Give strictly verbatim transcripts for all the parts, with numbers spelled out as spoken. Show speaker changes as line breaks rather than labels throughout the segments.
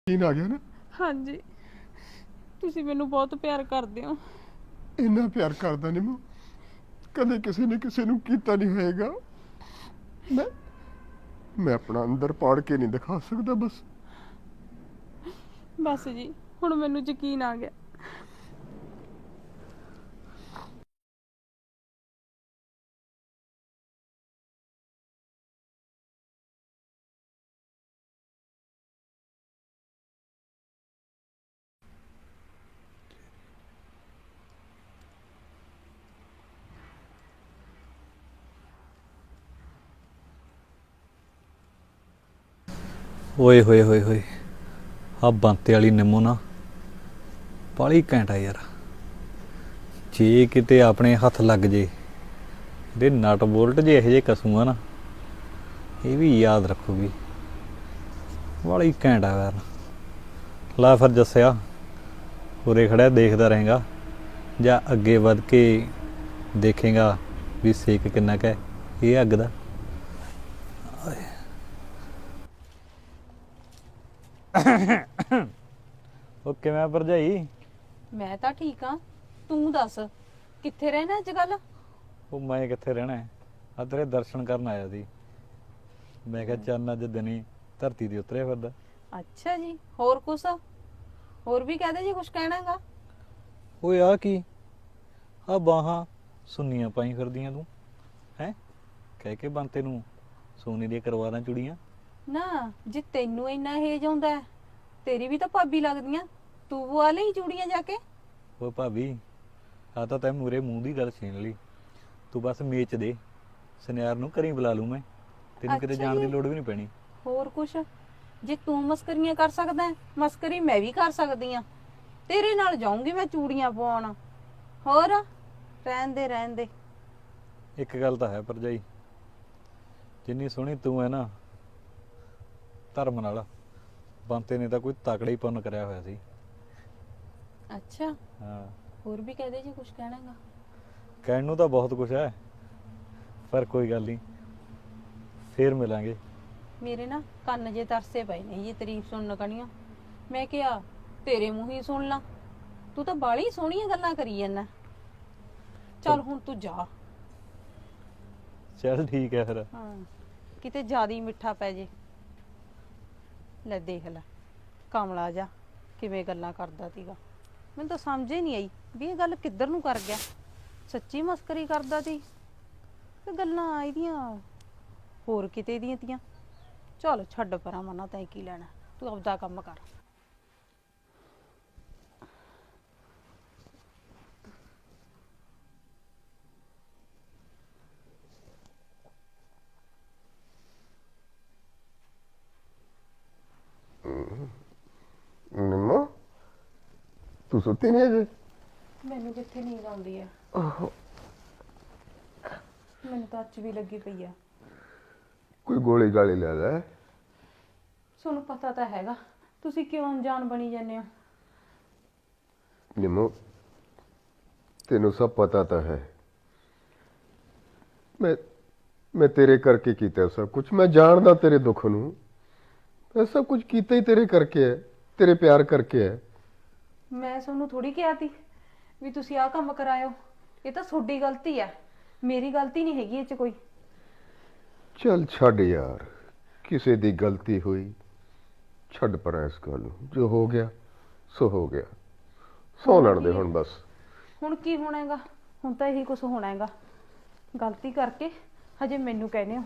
ਯਕੀਨ ਆ ਗਿਆ ਨਾ?
ਹਾਂਜੀ, ਤੁਸੀਂ ਮੈਨੂੰ ਬਹੁਤ ਪਿਆਰ ਕਰਦੇ ਹੋ।
ਇੰਨਾ ਪਿਆਰ ਕਰਦਾ ਨਹੀਂ ਮੈਂ ਕਦੇ ਕਿਸੇ ਨੇ ਕਿਸੇ ਨੂੰ ਕੀਤਾ ਨਹੀਂ ਹੋਏਗਾ। ਮੈਂ ਮੈਂ ਆਪਣਾ ਅੰਦਰ ਪਾੜ ਕੇ ਨਹੀਂ ਦਿਖਾ ਸਕਦਾ। ਬਸ
ਬਸ ਜੀ, ਹੁਣ ਮੈਨੂੰ ਯਕੀਨ ਆ ਗਿਆ।
ਓਏ ਹੋਏ ਹੋਏ ਹੋਏ ਆ ਬੰਤੇ ਵਾਲੀ ਨਿੰਮੋ ਨਾ ਬਾਲੀ ਘੈਂਟ ਆ ਯਾਰ। ਜੇ ਕਿਤੇ ਆਪਣੇ ਹੱਥ ਲੱਗ ਜੇ ਦੇ ਨਟ ਬੋਲਟ ਜੇ ਇਹੋ ਜਿਹੇ ਕਸੂ ਆ ਨਾ, ਇਹ ਵੀ ਯਾਦ ਰੱਖੂਗੀ। ਬਾਲੀ ਘੈਂਟ ਆ ਯਾਰ। ਲਾ ਫਿਰ ਦੱਸਿਆ ਉਰੇ ਖੜਿਆ ਦੇਖਦਾ ਰਹੇਗਾ ਜਾਂ ਅੱਗੇ ਵੱਧ ਕੇ ਦੇਖੇਗਾ ਵੀ ਸੇਕ ਕਿੰਨਾ ਕੁ ਹੈ ਇਹ ਅੱਗ ਦਾ। ਉਹ ਕਿਵੇਂ ਭਰਜਾਈ?
ਮੈਂ ਤਾਂ ਠੀਕ ਆ, ਤੂੰ ਦੱਸ ਕਿੱਥੇ ਰਹਿਣਾ ਅੱਜ ਕੱਲ?
ਉਹ ਮੈਂ ਕਿੱਥੇ ਰਹਿਣਾ, ਆ ਤੇਰੇ ਦਰਸ਼ਨ ਕਰਨ ਆਇਆ ਸੀ। ਮੈਂ ਕਿਹਾ ਚੰਨ ਅੱਜ ਦਿਨੀ ਧਰਤੀ ਤੇ ਉਤਰਿਆ ਫਿਰਦਾ।
ਅੱਛਾ ਜੀ, ਹੋਰ ਕੁਛ ਹੋਰ ਵੀ ਕਹਦੇ ਜੀ, ਕੁਛ ਕਹਿਣਾਗਾ?
ਓਏ ਆ ਕੀ ਆ ਬਾਹਾਂ ਸੁੰਨੀਆਂ ਪਾਈ ਫਿਰਦੀਆਂ ਤੂੰ ਹੈ? ਕਹਿ ਕੇ ਬੰਤੇ ਨੂੰ ਸੋਨੇ ਦੀਆਂ ਕਰਵਾਰਾਂ ਚੁੜੀਆਂ।
ਨਾ ਜੇ ਤੈਨੂੰ ਇੰਨਾ ਹੇਜ ਆਉਂਦਾ ਹੈ, ਤੇਰੀ ਵੀ ਤਾਂ ਭਾਬੀ ਲੱਗਦੀਆਂ, ਤੂੰ ਪਵਾ ਲਈ ਚੂੜੀਆਂ ਜਾ ਕੇ।
ਓ ਭਾਬੀ ਆ ਤਾਂ ਤੈਂ ਮੂਰੇ ਮੂੰਹ ਦੀ ਗੱਲ ਛੀਨ ਲਈ। ਤੂੰ ਬਸ ਮੇਚ ਦੇ, ਸੁਨਿਆਰ ਨੂੰ ਘਰੀ ਬੁਲਾ ਲੂ ਮੈਂ, ਤੈਨੂੰ ਕਿਤੇ
ਅੱਛਾ
ਜਾਣ ਦੀ
ਜੀ।
ਲੋੜ ਵੀ ਨਹੀਂ ਪੈਣੀ।
ਹੋਰ ਕੁਛ ਜੇ ਤੂੰ ਮਸਕਰੀਆਂ ਕਰ ਸਕਦਾ ਹੈ, ਮਸਕਰੀ ਮੈਂ ਵੀ ਕਰ ਸਕਦੀ ਆ। ਤੇਰੇ ਨਾਲ ਜਾਊਂਗੀ ਮੈਂ ਚੂੜੀਆਂ ਪਵਾਉਣ। ਹੋਰ ਰਹਿਣ ਦੇ ਰਹਿਣ ਦੇ।
ਇੱਕ ਗੱਲ ਤਾਂ ਹੈ ਭਰਜਾਈ, ਜਿੰਨੀ ਸੋਹਣੀ ਤੂੰ ਹੈ ਨਾ, ਧਰਮ ਨਾਲ ਬੰਤੇ ਨੇ ਤਾਂ ਕੋਈ ਤਕੜਾ ਹੀ ਪੁੰਨ ਕਰਿਆ ਹੋਇਆ ਸੀ।
ਅੱਛਾ,
ਹਾਂ
ਹੋਰ ਵੀ ਕਹਦੇ ਜੀ, ਕੁਛ ਕਹਿਣਾਗਾ?
ਕਹਿਣ ਨੂੰ ਤਾਂ ਬਹੁਤ ਕੁਛ ਹੈ, ਪਰ ਕੋਈ ਗੱਲ ਨਹੀਂ, ਫੇਰ ਮਿਲਾਂਗੇ।
ਮੇਰੇ ਨਾ ਕੰਨ ਜੇ ਤਰਸੇ ਪਏ ਨੇ ਜੀ ਤਾਰੀਫ ਸੁਣਨ ਕਣੀਆਂ। ਮੈਂ ਕਿਹਾ ਤੇਰੇ ਮੂੰਹ ਹੀ ਸੁਣ ਲਾ, ਤੂੰ ਤਾਂ ਬਾਲੀ ਸੋਹਣੀਆਂ ਗੱਲਾਂ ਕਰੀ ਜਾਂਦਾ। ਚੱਲ ਹੁਣ ਤੂੰ ਜਾ।
ਚੱਲ ਠੀਕ ਹੈ ਫਿਰ।
ਹਾਂ, ਕਿਤੇ ਜ਼ਿਆਦਾ ਹੀ ਮਿੱਠਾ ਪੈ ਜੇ। ਲੈ ਦੇਖ ਲੈ ਕਮਲਾ ਜਾ ਕਿਵੇਂ ਗੱਲਾਂ ਕਰਦਾ ਸੀਗਾ। ਮੈਨੂੰ ਤਾਂ ਸਮਝ ਹੀ ਨਹੀਂ ਆਈ ਵੀ ਇਹ ਗੱਲ ਕਿੱਧਰ ਨੂੰ ਕਰ ਗਿਆ। ਸੱਚੀ ਮਸਕਰੀ ਕਰਦਾ ਸੀ ਤੇ ਗੱਲਾਂ ਇਹਦੀਆਂ ਹੋਰ ਕਿਤੇ ਦੀਆਂ ਤੀਆਂ। ਚਲ ਛੱਡ ਪਰਾਂ, ਮਨਾ ਤੈਂ ਕੀ ਲੈਣਾ, ਤੂੰ ਆਪਦਾ ਕੰਮ ਕਰ।
ਨਿੰਮੋ ਤੂੰ ਸੁੱਤੀ ਨਹੀਂ ਅਜੇ?
ਮੈਨੂੰ ਕਿੱਥੇ ਨੀਂਦ ਆਉਂਦੀ ਹੈ, ਮੈਨੂੰ ਤਾਂ ਅੱਜ ਵੀ ਲੱਗੀ ਪਈ ਆ।
ਕੋਈ ਗੋਲੀ ਗਾਲੀ ਲੈ ਲੈ।
ਤੁਹਾਨੂੰ ਪਤਾ ਤਾਂ ਹੈਗਾ, ਤੁਸੀਂ ਕਿਉਂ ਅਣਜਾਣ ਬਣੀ ਜਾਂਦੇ ਹੋ?
ਨਿੰਮੋ ਤੈਨੂੰ ਸਭ ਪਤਾ ਤਾਂ ਹੈ, ਮੈਂ ਮੈਂ ਤੇਰੇ ਕਰਕੇ ਕੀਤਾ ਸਭ ਕੁਝ। ਮੈਂ ਜਾਣਦਾ ਤੇਰੇ ਦੁੱਖ ਨੂੰ। ਮੈਂ ਸਭ ਕੁਝ ਕੀਤਾ ਹੀ ਤੇਰੇ ਕਰਕੇ ਹੈ, ਤੇਰੇ ਪਿਆਰ ਕਰਕੇ ਹੈ।
ਮੈਂ ਤੁਹਾਨੂੰ ਥੋੜੀ ਕਿਹਾ ਤੀ ਵੀ ਤੁਸੀਂ ਆਹ ਕੰਮ ਕਰਾਇਓ। ਇਹ ਤਾਂ ਤੁਹਾਡੀ ਗਲਤੀ ਹੈ, ਮੇਰੀ ਗਲਤੀ ਨਹੀਂ ਹੈਗੀ ਇਹ 'ਚ ਕੋਈ।
ਚੱਲ ਛੱਡ ਯਾਰ, ਕਿਸੇ ਦੀ ਗਲਤੀ ਹੋਈ, ਛੱਡ ਪਰਾਂ ਇਸ ਗੱਲ ਨੂੰ। ਜੋ ਹੋ ਗਿਆ ਸੋ ਹੋ ਗਿਆ, ਸੌ ਲੈਣ ਦੇ ਹੁਣ ਬਸ।
ਹੁਣ ਕੀ ਹੋਣਾ ਹੈਗਾ? ਹੁਣ ਤਾਂ ਇਹੀ ਕੁਝ ਹੋਣਾ ਹੈਗਾ। ਗਲਤੀ ਕਰਕੇ ਹਜੇ ਮੈਨੂੰ ਕਹਿੰਦੇ ਹੋ।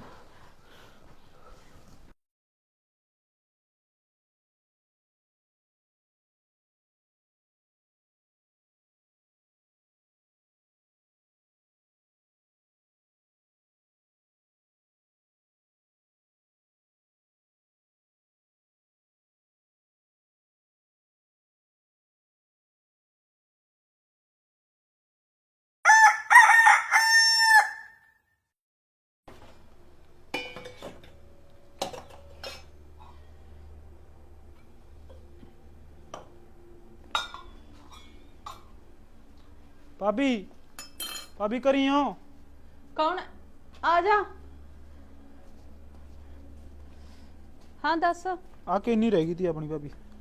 भाभी भाभी करी हो?
कौन? आ जा। हाँ दस।
आ किन्नी रह गई थी अपनी भाभी?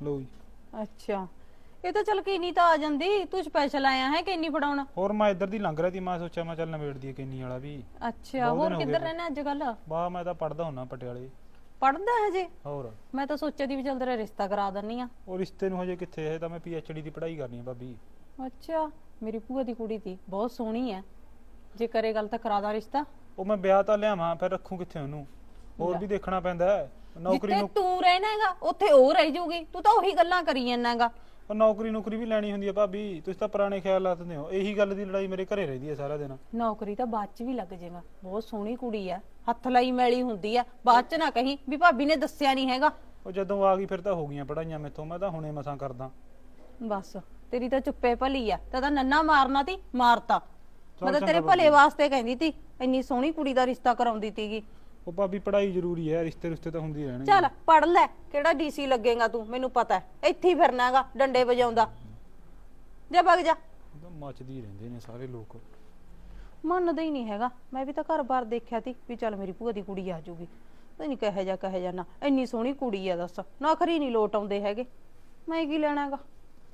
ਲਓ ਜੀ।
ਅੱਛਾ ਇਹ ਤਾਂ ਚਲ ਕਿੰਨੀ ਤਾਂ ਆ ਜਾਂਦੀ, ਤੂੰ ਸਪੈਸ਼ਲ ਆਇਆ ਹੈ ਕਿੰਨੀ ਫੜਾਉਣਾ?
ਹੋਰ ਮੈਂ ਇੱਧਰ ਦੀ ਲੰਘ ਰਿਹਾ ਸੀ, ਮੈਂ ਸੋਚਿਆ ਮੈਂ ਚੱਲ ਨਵੇੜ ਦੀਏ ਕਿੰਨੀ ਵਾਲਾ ਵੀ।
ਅੱਛਾ
ਬਹੁਤ
ਹੋਰ
ਦਿਨ ਹੋ
ਕਿੱਧਰ
ਗਏ।
ਰਹਿਣਾ ਅੱਜ ਕੱਲ?
ਵਾਹ ਮੈਂ ਤਾਂ ਪੜਦਾ ਹੁੰਨਾ ਪਟਿਆਲੇ।
ਪੜਦਾ ਹਜੇ?
ਹੋਰ
ਮੈਂ ਤਾਂ ਸੋਚਿਆ ਦੀ ਵੀ ਚੱਲ ਤੇਰਾ ਰਿਸ਼ਤਾ ਕਰਾ ਦਿੰਨੀ ਆ।
ਉਹ ਰਿਸ਼ਤੇ ਨੂੰ ਹਜੇ ਕਿੱਥੇ, ਇਹ ਤਾਂ ਮੈਂ ਪੀ ਐਚ ਡੀ ਦੀ ਪੜ੍ਹਾਈ ਕਰਨੀ ਆ ਭਾਬੀ।
ਅੱਛਾ ਮੇਰੀ ਭੂਆ ਦੀ ਕੁੜੀ ਤੀ, ਬਹੁਤ ਸੋਹਣੀ ਐ, ਜੇ ਕਰੇ ਗੱਲ ਤਾਂ ਕਰਾ ਦਾ ਰਿਸ਼ਤਾ।
ਉਹ ਮੈਂ ਵਿਆਹ ਤਾਂ ਲਿਆਵਾਂ, ਫਿਰ ਰੱਖੂ ਕਿੱਥੇ ਉਹਨੂੰ? ਹੋਰ
ਲੈ।
ਵੀ ਦੇਖਣਾ ਪੈਂਦਾ ਹੈ। ਨੌਕਰੀ
ਜਿੱਥੇ
ਨੂੰ
ਤੂੰ ਰਹਿਣਾ ਹੈਗਾ ਉੱਥੇ ਉਹ ਰਹਿ ਜਾਊਗੀ, ਤੂੰ ਤਾਂ ਉਹੀ ਗੱਲਾਂ ਕਰੀ ਜਾਂਦਾ ਹੈਗਾ।
ਉਹ ਨੌਕਰੀ ਨੌਕਰੀ ਵੀ ਲੈਣੀ ਹੁੰਦੀ ਹੈ ਭਾਬੀ, ਤੁਸੀਂ ਤਾਂ ਪੁਰਾਣੇ ਖਿਆਲ ਲਾਤਦੇ ਹੋ। ਇਹੀ ਗੱਲ ਦੀ ਲੜਾਈ ਮੇਰੇ ਘਰੇ ਰਹਿੰਦੀ ਹੈ ਸਾਰਾ ਦਿਨ।
ਨੌਕਰੀ ਤਾਂ ਬਾਅਦ ਚ ਵੀ ਲੱਗ ਜਾਏਗਾ, ਬਹੁਤ ਸੋਹਣੀ ਕੁੜੀ ਆ, ਹੱਥ ਲਾਈ ਮੈਲੀ ਹੁੰਦੀ ਆ, ਬਾਅਦ ਚ ਨਾ ਕਹੀਂ ਵੀ ਭਾਬੀ ਨੇ ਦੱਸਿਆ ਨਹੀਂ ਹੈਗਾ।
ਉਹ ਜਦੋਂ ਆ ਗਈ ਫਿਰ ਤਾਂ ਹੋ ਗਈਆਂ ਪੜਾਈਆਂ ਮੇਥੋਂ, ਮੈਂ ਤਾਂ ਹੁਣੇ ਮਸਾਂ ਕਰਦਾ।
ਬਸ ਤੇਰੀ ਤਾਂ ਚੁੱਪੇ ਭਲੀ ਆ, ਤਾਂ ਤਾਂ ਨੰਨਾ ਮਾਰਨਾ ਤੀ, ਮਾਰਤਾ। ਮੈਂ ਤਾਂ
ਚੰਗਾ
ਤੇਰੇ
ਬਾਬਾ
ਭਲੇ
ਜੀ।
ਵਾਸਤੇ ਕਹਿੰਦੀ ਤੀ, ਇੰਨੀ ਸੋਹਣੀ ਕੁੜੀ ਦਾ ਰਿਸ਼ਤਾ ਕਰਾਉਂਦੀ ਤੀਗੀ।
ਉਹ ਭਾਬੀ ਪੜਾਈ ਜ਼ਰੂਰੀ ਹੈ, ਰਿਸ਼ਤੇ ਰਿਸ਼ਤੇ ਤਾਂ ਹੁੰਦੀ ਰਹਿਣਗੇ।
ਚੱਲ ਪੜ ਲੈ, ਕਿਹੜਾ ਡੀਸੀ ਲੱਗੇਗਾ ਤੂੰ, ਮੈਨੂੰ ਪਤਾ ਹੈ, ਇੱਥੇ ਹੀ ਫਿਰਨਾ ਹੈਗਾ ਡੰਡੇ ਵਜਾਉਂਦਾ। ਜਾ ਵਗ ਜਾ।
ਉਹ ਤਾਂ ਮੱਚਦੀ ਹੀ ਰਹਿੰਦੇ ਨੇ ਸਾਰੇ ਲੋਕ।
ਮੰਨਦਾ ਹੀ ਨਹੀਂ ਹੈਗਾ। ਮੈਂ ਵੀ ਤਾਂ ਘਰ-ਬਾਰ ਦੇਖਿਆ ਤੀ ਵੀ ਚੱਲ ਮੇਰੀ ਭੂਆ ਦੀ ਕੁੜੀ ਆ ਜਾਊਗੀ, ਤਾਂ ਨਹੀਂ ਕਹੇ ਜਾ ਕਹੇ ਜਾ ਨਾ, ਇੰਨੀ ਸੋਹਣੀ ਕੁੜੀ ਆ ਦੱਸ, ਨੌਕਰੀ ਨਹੀਂ ਲੋਟ ਆਉਂਦੇ ਹੈਗੇ, ਮੈਂ ਕੀ ਲੈਣਾ ਹੈਗਾ।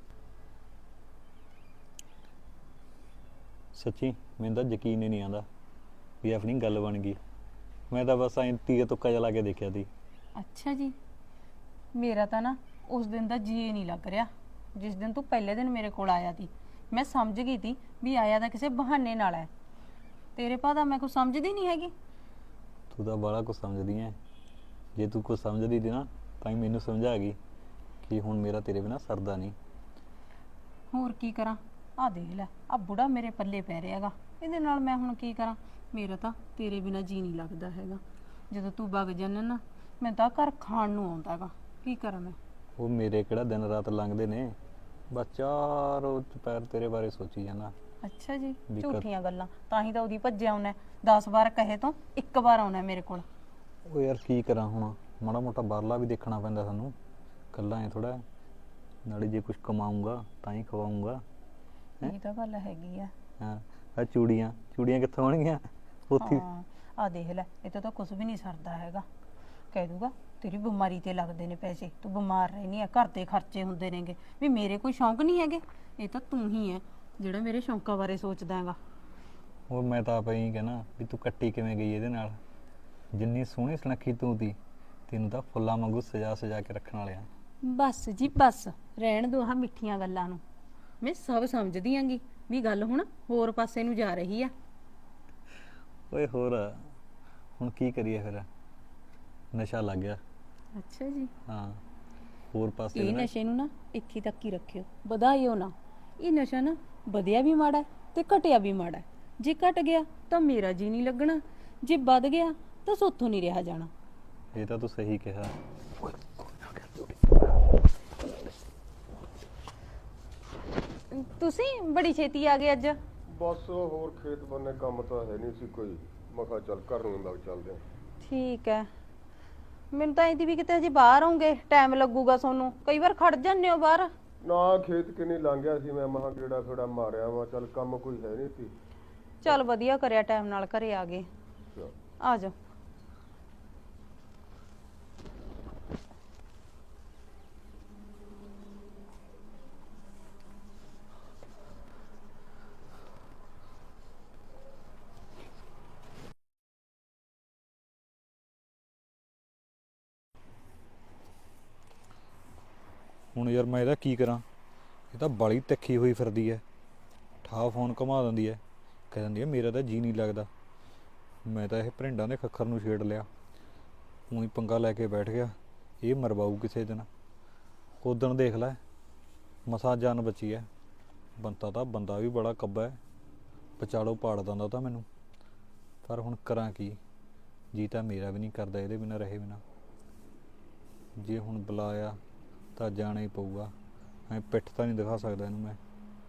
ਸੱਚੀ ਮੈਨੂੰ ਤਾਂ ਯਕੀਨ ਹੀ ਨਹੀਂ ਆਉਂਦਾ ਵੀ ਆਪਣੀ ਗੱਲ ਬਣ ਗਈ। ਮੈਂ ਤਾਂ ਬਸ ਐਂ ਤੀਏ ਤੁੱਕਾ ਚਲਾ ਕੇ ਦੇਖਿਆ ਸੀ।
ਅੱਛਾ ਜੀ, ਮੇਰਾ ਤਾਂ ਨਾ ਉਸ ਦਿਨ ਦਾ ਜੀ ਨਹੀਂ ਲੱਗ ਰਿਹਾ, ਜਿਸ ਦਿਨ ਤੂੰ ਪਹਿਲੇ ਦਿਨ ਮੇਰੇ ਕੋਲ ਆਇਆ ਸੀ। ਮੈਂ ਸਮਝ ਗਈ ਸੀ ਵੀ ਆਇਆ ਤਾਂ ਕਿਸੇ ਬਹਾਨੇ ਨਾਲ ਹੈ, ਤੇਰੇ ਭਾਅ ਮੈਂ ਕੁਝ ਸਮਝਦੀ ਨਹੀਂ ਹੈਗੀ।
ਤੂੰ ਤਾਂ ਬੜਾ ਕੁਝ ਸਮਝਦੀ ਐ, ਜੇ ਤੂੰ ਕੁਝ ਸਮਝਦੀ ਸੀ ਨਾ ਤਾਂ ਹੀ ਮੈਨੂੰ ਸਮਝਾ ਗਈ ਕਿ ਹੁਣ ਮੇਰਾ ਤੇਰੇ ਬਿਨਾ ਸਰਦਾ ਨਹੀਂ।
ਹੋਰ ਕੀ ਕਰਾਂ, ਆ ਦੇਖ ਲੈ, ਆ ਬੁੜਾ ਮੇਰੇ ਪੱਲੇ ਪੈ ਰਿਹਾ ਹੈਗਾ, ਇਹਦੇ ਨਾਲ ਮੈਂ ਹੁਣ ਕੀ ਕਰਾਂ? ਮੇਰਾ ਤਾਂ ਤੇਰੇ ਬਿਨਾ ਜੀ ਨਹੀਂ ਲੱਗਦਾ ਹੈਗਾ, ਜਦੋਂ ਤੂੰ ਵਗ ਜਾਣਾ ਨਾ ਮੈਂ ਤਾਂ ਘਰ ਖਾਣ ਨੂੰ ਆਉਂਦਾ ਹੈਗਾ, ਕੀ ਕਰਾਂ ਮੈਂ?
ਉਹ ਮੇਰੇ ਕਿਹੜਾ ਦਿਨ ਰਾਤ ਲੰਘਦੇ ਨੇ, ਬਸ ਚਾਰੋਂ ਦੁਪਹਿਰ ਤੇਰੇ ਬਾਰੇ ਸੋਚੀ ਜਾਣਾ।
ਅੱਛਾ ਜੀ,
ਵੀ ਕਦ-
ਝੂਠੀਆਂ ਗੱਲਾਂ, ਤਾਂ ਹੀ ਤਾਂ ਉਹਦੀ ਭੱਜਿਆ ਆਉਣਾ, ਦਸ ਵਾਰ ਕਹੇ ਤੋਂ ਇੱਕ ਵਾਰ ਆਉਣਾ ਮੇਰੇ ਕੋਲ।
ਉਹ ਯਾਰ ਕੀ ਕਰਾਂ ਹੁਣ, ਮਾੜਾ ਮੋਟਾ ਬਾਹਰਲਾ ਵੀ ਦੇਖਣਾ ਪੈਂਦਾ ਸਾਨੂੰ, ਕੱਲਾ ਐ ਥੋੜਾ, ਨਾਲੇ ਜੇ ਕੁਝ ਕਮਾਊਂਗਾ ਤਾਂ ਹੀ ਖਵਾਊਂਗਾ।
ਇਹ ਤਾਂ ਗੱਲ ਹੈਗੀ ਆ।
ਹਾਂ ਆ ਚੂੜੀਆਂ ਚੂੜੀਆਂ ਕਿੱਥੋਂ ਆਉਣਗੀਆਂ ਉੱਥੇ?
ਹਾਂ ਆ ਦੇਖ ਲੈ, ਇਹ ਤਾਂ ਕੁਝ ਵੀ ਨਹੀਂ ਸਰਦਾ ਹੈਗਾ, ਕਹਿ ਦੂਗਾ ਤੇਰੀ ਬਿਮਾਰੀ ਤੇ ਲੱਗਦੇ ਨੇ ਪੈਸੇ, ਤੂੰ ਬਿਮਾਰ ਰਹਿਨੀ ਆ, ਘਰ ਦੇ ਖਰਚੇ ਹੁੰਦੇ ਨੇਗੇ, ਵੀ ਮੇਰੇ ਕੋਈ ਸ਼ੌਂਕ ਨਹੀਂ ਹੈਗੇ। ਇਹ ਤਾਂ ਤੂੰ ਹੀ ਹੈ ਜਿਹੜਾ ਮੇਰੇ ਸ਼ੌਂਕਾਂ ਬਾਰੇ ਸੋਚਦਾ ਹੈਗਾ।
ਉਹ ਮੈਂ ਤਾਂ ਆਪ ਹੀ ਕਹਿਣਾ ਵੀ ਤੂੰ ਕੱਟੀ ਕਿਵੇਂ ਗਈ ਇਹਦੇ ਨਾਲ, ਜਿੰਨੀ ਸੋਹਣੀ ਸੁਨੱਖੀ ਤੂੰ ਦੀ, ਤੈਨੂੰ ਤਾਂ ਫੁੱਲਾਂ ਵਾਂਗੂ ਸਜਾ ਸਜਾ ਕੇ ਰੱਖਣ ਵਾਲਿਆ।
ਬਸ ਜੀ ਬਸ, ਰਹਿਣ ਦੋ ਆਹ ਮਿੱਠੀਆਂ ਗੱਲਾਂ ਨੂੰ, ਮੈਂ ਸਭ ਸਮਝਦੀ ਆਂਗੀ ਵੀ ਗੱਲ ਹੁਣ ਹੋਰ ਪਾਸੇ ਨੂੰ ਜਾ ਰਹੀ ਆ।
ਓਏ ਹੋਰ ਹੁਣ ਕੀ ਕਰੀਏ ਫਿਰ, ਨਸ਼ਾ ਲੱਗ ਗਿਆ।
ਅੱਛਾ ਜੀ,
ਹਾਂ ਹੋਰ ਪਾਸੇ
ਇਹ
ਨਾ-
ਨਸ਼ੇ ਨੂੰ ਨਾ ਇੱਥੇ ਤੱਕ ਹੀ ਰੱਖਿਓ, ਵਧਾਇਓ ਨਾ। ਇਹ ਨਸ਼ਾ ਨਾ ਵਧਿਆ ਵੀ ਮਾੜਾ ਹੈ ਤੇ ਘਟਿਆ ਵੀ ਮਾੜਾ ਹੈ। ਜੇ ਘਟ ਗਿਆ ਤਾਂ ਮੇਰਾ ਜੀ ਨਹੀਂ ਲੱਗਣਾ, ਜੇ ਵੱਧ ਗਿਆ ਤਾਂ ਸੋਥੋਂ ਨਹੀਂ ਰਿਹਾ ਜਾਣਾ।
ਇਹ ਤਾਂ ਤੂੰ ਸਹੀ ਕਿਹਾ।
ਤੁਸੀਂ ਬੜੀ ਛੇਤੀ ਆ ਗਏ ਅੱਜ।
ਬਸ ਹੋਰ ਖੇਤ ਬੰਨੇ ਕੰਮ ਤਾਂ ਹੈ ਨਹੀਂ ਸੀ ਕੋਈ, ਮੈਂ ਕਿਹਾ ਚੱਲ ਘਰ ਨੂੰ ਲੱਗ ਚੱਲਦੇ ਹਾਂ।
ਠੀਕ ਹੈ, ਮੈਨੂੰ ਤਾਂ ਇਹਦੀ ਵੀ ਕਿਤੇ ਹਜੇ ਬਾਹਰ ਆਉਂਗੇ ਟਾਈਮ ਲੱਗੂਗਾ ਤੁਹਾਨੂੰ, ਕਈ ਵਾਰ ਖੜ ਜਾਂਦੇ ਹੋ ਬਾਹਰ।
ਨਾ ਖੇਤ ਕਿੰਨੀ ਲੰਘ ਗਿਆ ਸੀ, ਮੈਂ ਮਹਾ ਕਿਹੜਾ ਥੋੜਾ ਮਾਰਿਆ ਵਾ, ਚੱਲ ਕੰਮ ਕੋਈ ਹੈ ਨਹੀਂ ਸੀ।
ਚੱਲ ਵਧੀਆ ਕਰਿਆ ਟਾਈਮ ਨਾਲ ਘਰੇ ਆ ਗਏ,
ਚੱਲ।
ਆ ਜਾਓ।
ਹੁਣ ਯਾਰ ਮੈਂ ਇਹਦਾ ਕੀ ਕਰਾਂ, ਇਹ ਤਾਂ ਬਾਲੀ ਤਿੱਖੀ ਹੋਈ ਫਿਰਦੀ ਐ, ਠਾ ਫੋਨ ਘੁਮਾ ਦਿੰਦੀ ਐ, ਕਹਿ ਦਿੰਦੀ ਐ ਮੇਰਾ ਤਾਂ ਜੀ ਨਹੀਂ ਲੱਗਦਾ। ਮੈਂ ਤਾਂ ਇਹ ਭਰਿੰਡਾਂ ਦੇ ਖੱਖਰ ਨੂੰ ਛੇੜ ਲਿਆ, ਊਂ ਹੀ ਪੰਗਾ ਲੈ ਕੇ ਬੈਠ ਗਿਆ, ਇਹ ਮਰਵਾਊ ਕਿਸੇ ਦਿਨ। ਉਦਣ ਦੇਖ ਲੈ ਮਸਾਂ ਜਾਨ ਬਚੀ ਐ, ਬੰਤਾ ਤਾਂ ਬੰਦਾ ਵੀ ਬੜਾ ਕੱਬਾ ਐ, ਵਿਚਾਲੋ ਪਾੜ ਦਿੰਦਾ ਤਾਂ ਮੈਨੂੰ। ਪਰ ਹੁਣ ਕਰਾਂ ਕੀ, ਜੀ ਤਾਂ ਮੇਰਾ ਵੀ ਨਹੀਂ ਕਰਦਾ ਇਹਦੇ ਬਿਨਾਂ ਰਹੇ ਬਿਨਾਂ। ਜੇ ਹੁਣ ਬੁਲਾਇਆ ਤਾਂ ਜਾਣਾ ਹੀ ਪਊਗਾ, ਐ ਪਿੱਠ ਤਾਂ ਨਹੀਂ ਦਿਖਾ ਸਕਦਾ ਇਹਨੂੰ ਮੈਂ।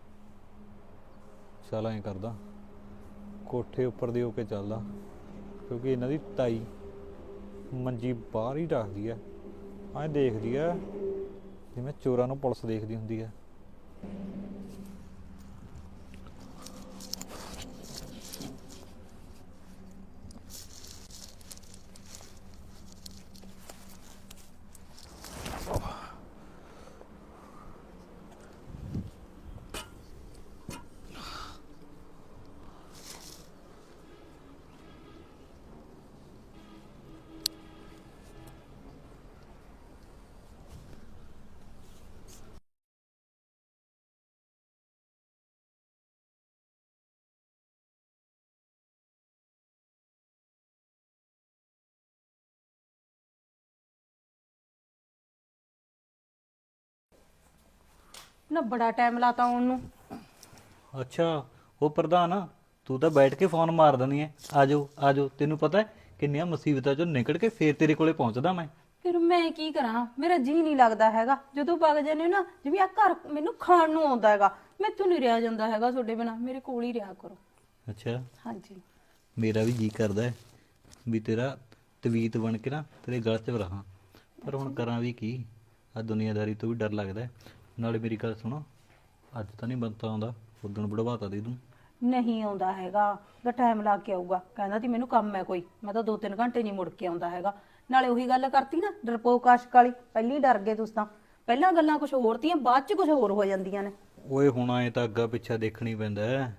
ਚੱਲ ਐਂ ਕਰਦਾ, ਕੋਠੇ ਉੱਪਰ ਦੀ ਹੋ ਕੇ ਚੱਲਦਾ, ਕਿਉਂਕਿ ਇਹਨਾਂ ਦੀ ਤਾਈ ਮੰਜੀ ਬਾਹਰ ਹੀ ਰੱਖਦੀ ਐ, ਐਂ ਦੇਖਦੀ ਐ ਜਿਵੇਂ ਚੋਰਾਂ ਨੂੰ ਪੁਲਿਸ ਦੇਖਦੀ ਹੁੰਦੀ ਐ।
ਨਾ ਬੜਾ ਟਾਈਮ ਲਾਤਾ ਆਉਣ ਨੂੰ।
ਅੱਛਾ ਉਹ ਪ੍ਰਧਾਨ, ਤੂੰ ਤਾਂ ਬੈਠ ਕੇ ਫੋਨ ਮਾਰ ਦਿੰਦੀ ਐ ਆਜੋ ਆਜੋ। ਤੈਨੂੰ ਪਤਾ ਹੈ ਕਿੰਨੀਆਂ ਮੁਸੀਬਤਾਂ ਚੋਂ ਨਿਕਲ ਕੇ ਫੇਰ ਤੇਰੇ ਕੋਲੇ ਪਹੁੰਚਦਾ ਮੈਂ।
ਫਿਰ ਮੈਂ ਕੀ ਕਰਾਂ, ਮੇਰਾ ਜੀ ਨਹੀਂ ਲੱਗਦਾ ਹੈਗਾ ਜਦੋਂ ਵਗ ਜਾਂਦੇ ਹੋ ਨਾ, ਜਿਵੇਂ ਆ ਘਰ ਮੈਨੂੰ ਖਾਣ ਨੂੰ ਆਉਂਦਾ ਹੈਗਾ। ਮੈਥੋਂ ਨਹੀਂ ਰਿਹਾ ਜਾਂਦਾ ਹੈਗਾ ਤੁਹਾਡੇ ਬਿਨਾ, ਮੇਰੇ ਕੋਲ ਹੀ ਰਿਹਾ ਕਰੋ।
ਅੱਛਾ
ਹਾਂਜੀ
ਮੇਰਾ ਵੀ ਜੀ ਕਰਦਾ ਹੈ ਵੀ ਤੇਰਾ ਤਵੀਤ ਬਣ ਕੇ ਨਾ ਤੇਰੇ ਗਲ 'ਚ ਰਹਾਂ, ਪਰ ਹੁਣ ਕਰਾਂ ਵੀ ਕੀ, ਆ ਦੁਨੀਆਦਾਰੀ ਤੋਂ ਵੀ ਡਰ ਲੱਗਦਾ ਹੈ। ਨਾਲੇ ਮੇਰੀ ਗੱਲ ਸੁਣੋ, ਅੱਜ ਤਾਂ ਨਹੀਂ ਬੰਤਾ ਆਉਂਦਾ, ਉਦੋਂ ਬੜਵਾਤਾ ਦੇ ਦੂੰ।
ਨਹੀਂ ਆਉਂਦਾ ਹੈਗਾ, ਦਾ ਟਾਈਮ ਲਾ ਕੇ ਆਊਗਾ। ਕਹਿੰਦਾ ਤੀ ਮੈਨੂੰ ਕੰਮ ਹੈ ਕੋਈ, ਮੈਂ ਤਾਂ ਦੋ ਤਿੰਨ ਘੰਟੇ ਨਹੀਂ ਮੁੜ ਕੇ ਆਉਂਦਾ ਹੈਗਾ। ਨਾਲੇ ਉਹੀ ਗੱਲ ਕਰਤੀ ਨਾ ਡਰਪੋਕ ਆਸ਼ਕ ਵਾਲੀ, ਪਹਿਲੀ ਡਰ ਗਏ ਤੁਸੀਂ ਤਾਂ। ਪਹਿਲਾਂ ਗੱਲਾਂ ਕੁਝ ਹੋਰ ਤੀਆਂ, ਬਾਅਦ ਚ ਕੁਝ ਹੋਰ ਹੋ ਜਾਂਦੀਆਂ ਨੇ।
ਓਏ ਹੁਣ ਐ ਤਾਂ ਅੱਗਾ ਪਿੱਛਾ ਦੇਖਣੀ ਪੈਂਦਾ ਹੈ।